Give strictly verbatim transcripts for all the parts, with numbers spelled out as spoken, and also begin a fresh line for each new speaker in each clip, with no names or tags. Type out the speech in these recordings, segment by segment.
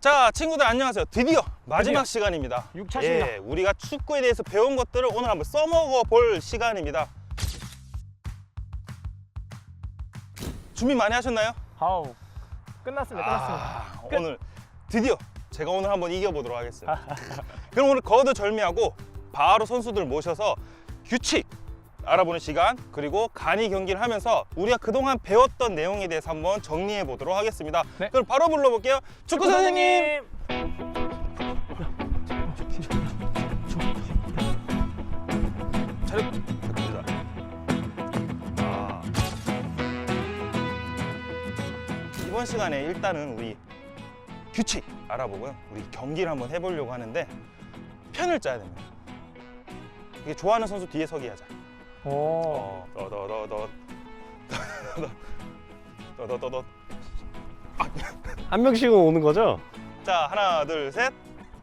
자, 친구들 안녕하세요. 드디어 마지막
드디어.
시간입니다.
육 차십니다.
예, 우리가 축구에 대해서 배운 것들을 오늘 한번 써먹어 볼 시간입니다. 준비 많이 하셨나요?
아우 끝났습니다. 끝났습니다.
아,
끝.
오늘 드디어 제가 오늘 한번 이겨보도록 하겠습니다. 그럼 오늘 거두절미하고 바로 선수들 모셔서 규칙 알아보는 시간, 그리고 간이 경기를 하면서 우리가 그동안 배웠던 내용에 대해서 한번 정리해 보도록 하겠습니다.
네.
그럼 바로 불러볼게요. 축구 선생님! 차렷 부탁드립니다. 아. 이번 시간에 일단은 우리 규칙 알아보고요. 우리 경기를 한번 해보려고 하는데 편을 짜야 됩니다. 이게 좋아하는 선수 뒤에 서기 하자.
오.
어, 더더더더 더더더더.
한 명씩은 오는 거죠?
자, 하나, 둘, 셋.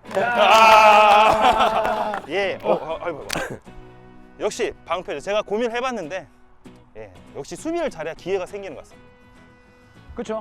아! 예. 어, 어, 아이고, 아이고. 역시 방패죠. 제가 고민을 해봤는데, 예, 역시 수비를 잘해야 기회가 생기는 것 같습니다.
그렇죠.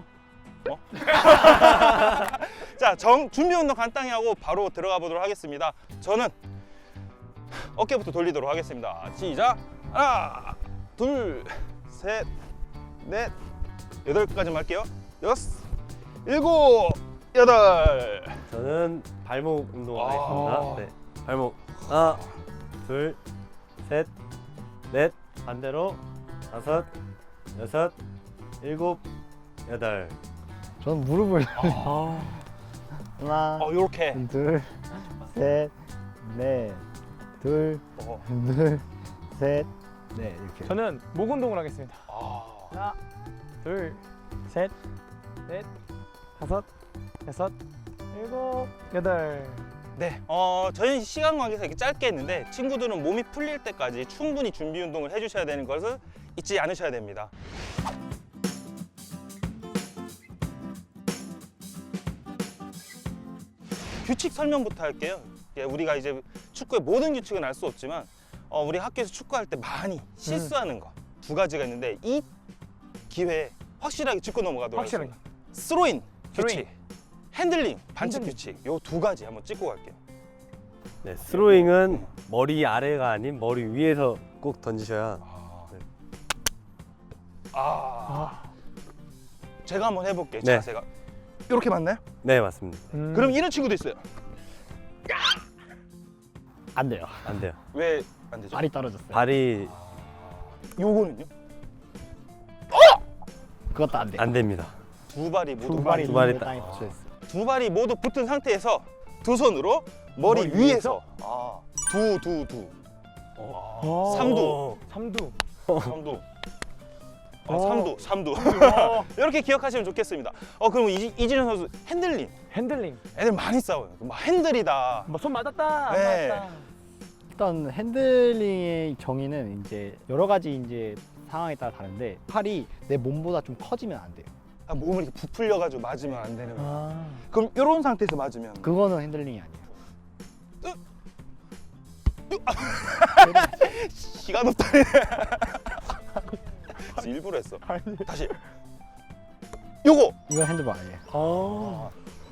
자, 정, 준비 운동 간단히 하고 바로 들어가 보도록 하겠습니다. 저는 어깨부터 돌리도록 하겠습니다. 시작. 하나, 둘, 셋, 넷, 여덟까지만 할게요. 여섯, 일곱, 여덟.
저는 발목 운동
아.
하겠습니다. 네. 발목 하나, 둘, 셋, 넷, 반대로 다섯, 여섯, 일곱, 여덟.
저는 무릎을
아.
하나,
어, 요렇게.
둘, 셋, 넷, 둘,
어.
둘, 셋, 넷 이렇게.
저는 목 운동을 하겠습니다.
아.
하나, 둘, 셋, 넷, 다섯, 여섯, 일곱, 여덟.
네, 어, 저희는 시간 관계상 이렇게 짧게 했는데 친구들은 몸이 풀릴 때까지 충분히 준비 운동을 해주셔야 되는 것을 잊지 않으셔야 됩니다. 규칙 설명부터 할게요. 예, 우리가 이제 축구의 모든 규칙은 알 수 없지만 어, 우리 학교에서 축구할 때 많이 실수하는 거 두 가지가 있는데 이 기회에 확실하게 짚고 넘어가도록
확실하게.
하겠습니다. 스로인 규칙,
스로인.
핸들링 반칙
핸들링.
규칙 요 두 가지 한번 찍고 갈게요.
네, 스로잉은 머리 아래가 아닌 머리 위에서 꼭 던지셔야.
아,
아.
제가 한번 해볼게요.
네.
자세가 이렇게 맞나요?
네, 맞습니다.
음.
그럼 이런 친구도 있어요.
안 돼요.
안 돼요.
왜 안 되죠?
발이 떨어졌어요.
발이
요거는요?
그것도 안 돼요.
안 됩니다.
두 발이 모두
두 발이
두 발이
있는데
딱-
땅에 붙여 있어요.
두 발이 모두 붙은 상태에서 두 손으로 머리,
머리
위에서 아, 두, 두, 두.
어.
삼두.
삼두.
삼두. 아,
어.
삼두, 삼두.
어.
이렇게 기억하시면 좋겠습니다. 어, 그럼 이, 이진현 선수 핸들링.
핸들링.
애들 많이 싸워요. 막 핸들이다.
뭐 손 맞았다. 안
네.
맞았다.
일단 핸들링의 정의는 이제 여러 가지 이제 상황에 따라 다른데 팔이 내 몸보다 좀 커지면 안 돼요.
아, 몸을 이렇게 부풀려가지고 맞으면 안 되는 거예요.
아.
그럼 이런 상태에서 맞으면
그거는 핸들링이 아니에요.
시간 없다네. 일부러 했어. 다시. 요거.
이건 핸드볼 아니에요.
어.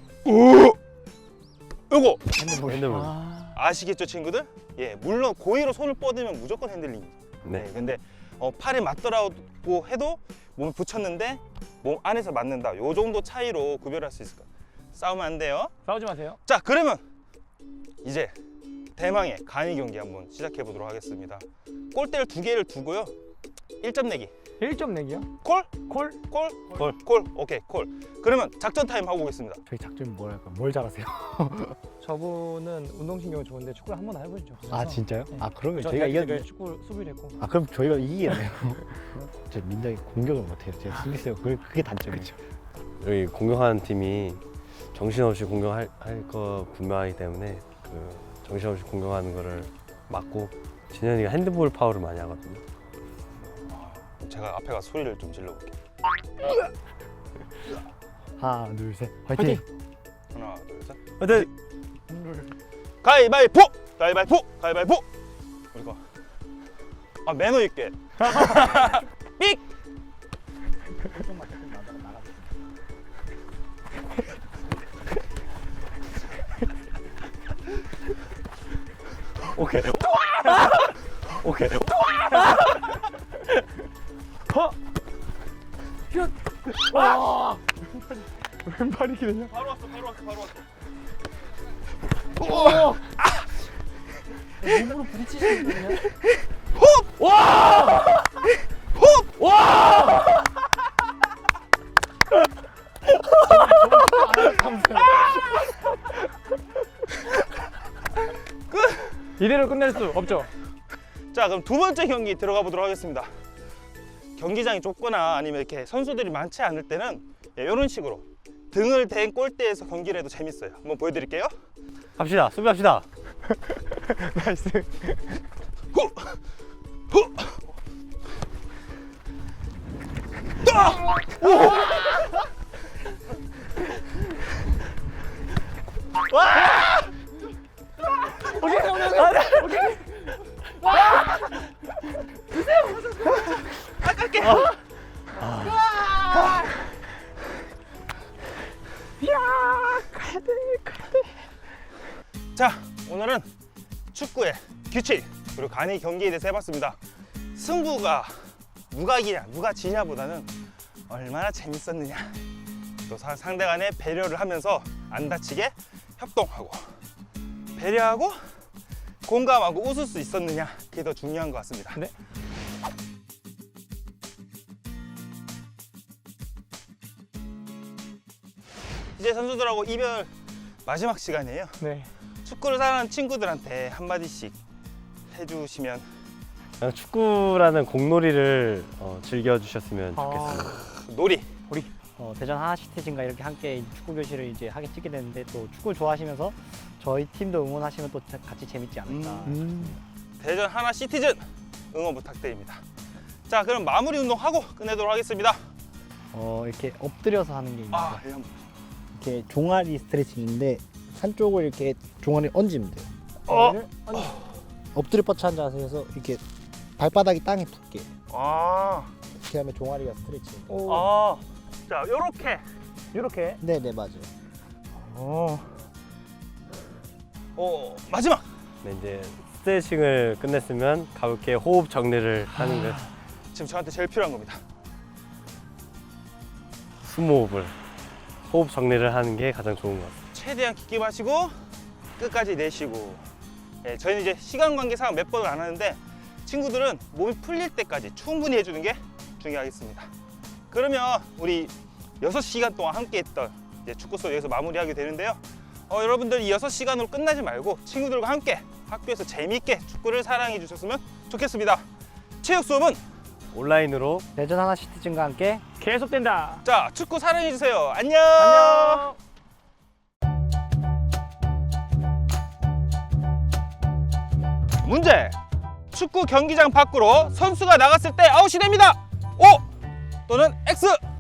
요거.
핸드볼.
핸드볼.
아.
아시겠죠, 친구들? 예, 물론 고의로 손을 뻗으면 무조건 핸들링이죠. 네.
네.
근데 어, 팔에 맞더라고 해도 몸에 붙였는데 몸 안에서 맞는다. 요 정도 차이로 구별할 수 있을 거예요. 싸우면 안 돼요.
싸우지 마세요.
자, 그러면 이제 대망의 간이 경기 한번 시작해 보도록 하겠습니다. 골대를 두 개를 두고요. 일 점 내기.
일 점 내기요?
콜?
콜?
콜?
콜.
콜. 오케이, 콜. 그러면 작전 타임 하고 오겠습니다.
저희 작전이 뭐랄까? 뭘 잘하세요?
저분은 운동신경이 좋은데 축구를 한 번 해보시죠.
아 진짜요?
네.
아 그러면
저
저희가
대학
이겼.
때 축구 수비를 했고.
아 그럼 저희가 이기겠네요. 저 민정이 공격을 못해요. 제가 수비수요. 그게 그게 단점이죠.
여기 공격하는 팀이 정신없이 공격할 할 거 분명하기 때문에 그 정신없이 공격하는 거를 막고 진현이가 핸드볼 파워를 많이 하거든요.
제가 앞에 가서 소리를 좀 질러볼게요.
하나 둘 셋. 화이팅.
하나, 둘, 셋.
하여튼
가위바위보! 가위바위보! 가위바위보! 이거. 아, 매너 있게. 삑!
오케이. 오케이.
왼발이 그냥.
바로 왔어, 바로 왔어, 바로 왔어.
몸으로 부딪히시는 거냐?
이대로 끝낼 수 없죠.
자, 그럼 두 번째 경기 들어가 보도록 하겠습니다. 경기장이 좁거나 아니면 이렇게 선수들이 많지 않을 때는 이런 식으로 등을 댄 골대에서 경기를 해도 재밌어요. 한번 보여드릴게요.
갑시다. 수비합시다.
나이스.
후! 후! 따! 자, 오늘은 축구의 규칙 그리고 간이 경기에 대해서 해봤습니다. 승부가 누가 이기냐 누가 지냐보다는 얼마나 재밌었느냐, 또 사- 상대 간의 배려를 하면서 안 다치게 협동하고 배려하고 공감하고 웃을 수 있었느냐, 그게 더 중요한 것 같습니다.
네.
이제 선수들하고 이별 마지막 시간이에요.
네.
축구를 사랑하는 친구들한테 한마디씩 해주시면.
그냥 축구라는 공놀이를 어, 즐겨주셨으면 좋겠습니다.
놀이.
어, 대전 하나시티즌과 이렇게 함께 축구 교실을 이제 하게 찍게 됐는데 또 축구 좋아하시면서 저희 팀도 응원하시면 또 같이 재밌지 않을까.
음.
대전 하나 시티즌 응원 부탁드립니다. 자, 그럼 마무리 운동하고 끝내도록 하겠습니다.
어, 이렇게 엎드려서 하는 게 있는데
아, 예, 한번.
이렇게 종아리 스트레칭인데 한쪽을 이렇게 종아리 얹으면 돼요.
어.
종아리를 얹- 엎드려 뻗쳐 앉은 자세에서 이렇게 발바닥이 땅에 붙게
아,
이렇게 하면 종아리가 스트레칭.
아, 자, 요렇게.
이렇게.
네네 맞아요.
어.
어, 마지막.
네, 이제 스트레칭을 끝냈으면 가볍게 호흡 정리를 하는 것.
지금 저한테 제일 필요한 겁니다.
숨호흡을 호흡 정리를 하는 게 가장 좋은 것 같습니다.
최대한 깊게 마시고 끝까지 내쉬고. 예, 저희는 이제 시간 관계상 몇 번을 안 하는데 친구들은 몸이 풀릴 때까지 충분히 해주는 게 중요하겠습니다. 그러면 우리 여섯 시간 동안 함께 했던 이제 축구 수업 여기서 마무리하게 되는데요. 어, 여러분들 이 여섯 시간으로 끝나지 말고 친구들과 함께 학교에서 재미있게 축구를 사랑해 주셨으면 좋겠습니다. 체육 수업은
온라인으로
대전 하나시티즌과 함께
계속된다.
자, 축구 사랑해 주세요. 안녕.
안녕.
문제. 축구 경기장 밖으로 선수가 나갔을 때 아웃이 됩니다. O 또는 X.